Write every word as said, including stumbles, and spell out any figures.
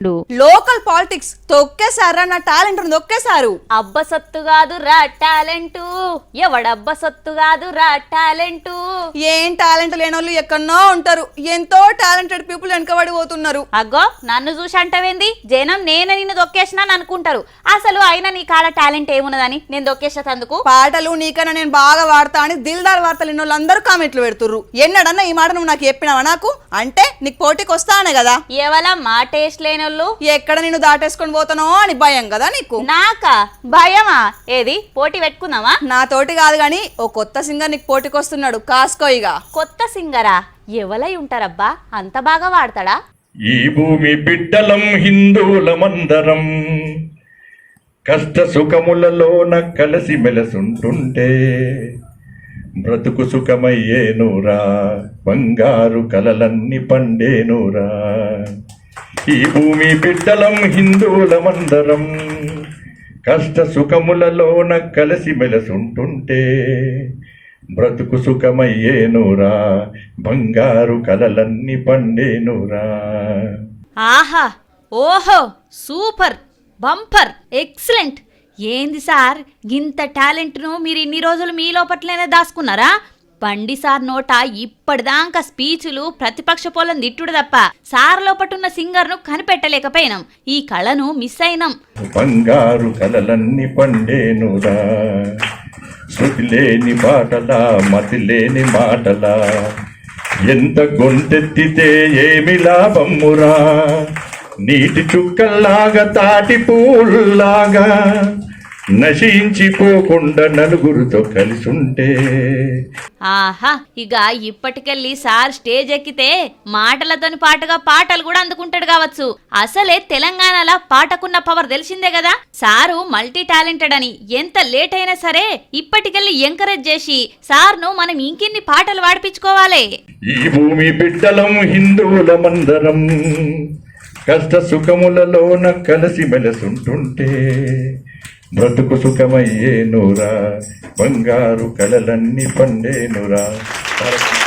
Local politics తొక్కేసారా? నా talent నొక్కేశారు. అబ్బ సత్తు కాదు రా టాలెంట్, ఎవడబ్బ సత్తు కాదు రా టాలెంట్. ఏం టాలెంట్ లేనోళ్ళు ఎక్కడో ఉంటారు, ఎంతో టాలెంటెడ్ పీపుల్ వెనకబడి పోతున్నారు. అగ్గో నన్ను చూసి అంటవేంది? జనం నేనే నిన్ను దొక్కేసినా అనుకుంటారు. అసలు అయినా నీ కాడ టాలెంట్ ఏమున్నదని నేను దొక్కేసేందుకు? పాటలు నీకన్నా నేను బాగా వాడతా అని దిల్దార్ వార్తలు ఎన్నోళ్ళు అందరూ కామెంట్లు పెడుతుర్రు. ఎన్నడన్నా ఈ మాట నువ్వు నాకు చెప్పినావా? నాకు అంటే నీకు పోటీకి వస్తానే కదా. ఎవలా మా టేస్ట్ లేనోళ్ళు ఎక్కడ నేను దాటేసుకొని పోతానో అని భయం కదా నీకు. నాకా భయమా? ఏది పోటీ పెట్టుకుందామా? నా తోటి కాదు గాని ఓ కొత్త సింగర్ నీకు పోటీకి వస్తున్నాడు, కాసుకోయిగా. కొత్త సింగరా? ఎవలై ఉంటారబ్బా, అంత బాగా వాడతాడా? ఈ భూమి బిడ్డలం హిందువులమందరం కష్ట సుఖములలోన కలిసి మెలసుంటుంటే బ్రతుకు సుఖమయ్యేనురా, బంగారు కలలన్నీ పండేనురా. ఈ భూమి బిడ్డలం హిందువులమందరం కష్ట సుఖములలోన కలిసి మెలసుంటుంటే బ్రతుకు సుఖమయ్యేనురా, బంగారు కలలన్నీ పండేనురా. ఆహా, ఓహో, సూపర్, బంపర్, ఎక్సలెంట్. ఏంది సార్ గింత టాలెంట్ను మీరు ఇన్ని రోజులు మీ లోపట్లేనే దాచుకున్నారా? బండి సార్ నోట ఇప్పటిదాకా స్పీచ్లు ప్రతిపక్ష పోలం తిట్టుడు తప్ప సార్ లోపటున్న సింగర్ను కనిపెట్టలేకపోయినాం. ఈ కళను మిస్ అయినాం. బంగారు కలలన్నీ పండేనురా, శృతి లేని పాటలా మతి లేని మాటలా, ఎంత గొంతెత్తితే ఏమి లాభమురా, నీటి చుక్కల్లాగా తాటి పూల్లాగా నశించిపోకుండా నలుగురితో కలిసుంటే. ఆహా, ఇక ఇప్పటికెళ్ళి సార్ స్టేజ్ ఎక్కితే మాటలతోని పాటుగా పాటలు కూడా అందుకుంటాడు కావచ్చు. అసలే తెలంగాణలో పాటకున్న పవర్ తెలిసిందే కదా. సారు మల్టీ టాలెంటెడ్ అని ఎంత లేట్ అయినా సరే ఇప్పటికెళ్ళి ఎంకరేజ్ చేసి సార్ను మనం ఇంకిన్ని పాటలు పాడిపించుకోవాలి. ఈ భూమి బిడ్డలం హిందువులమందరం కష్ట సుఖములలోన కలిసి మెలసుంటుంటే బ్రతుకు సుఖమయ్యేనురా, బంగారు కలలన్నీ పండేనురా.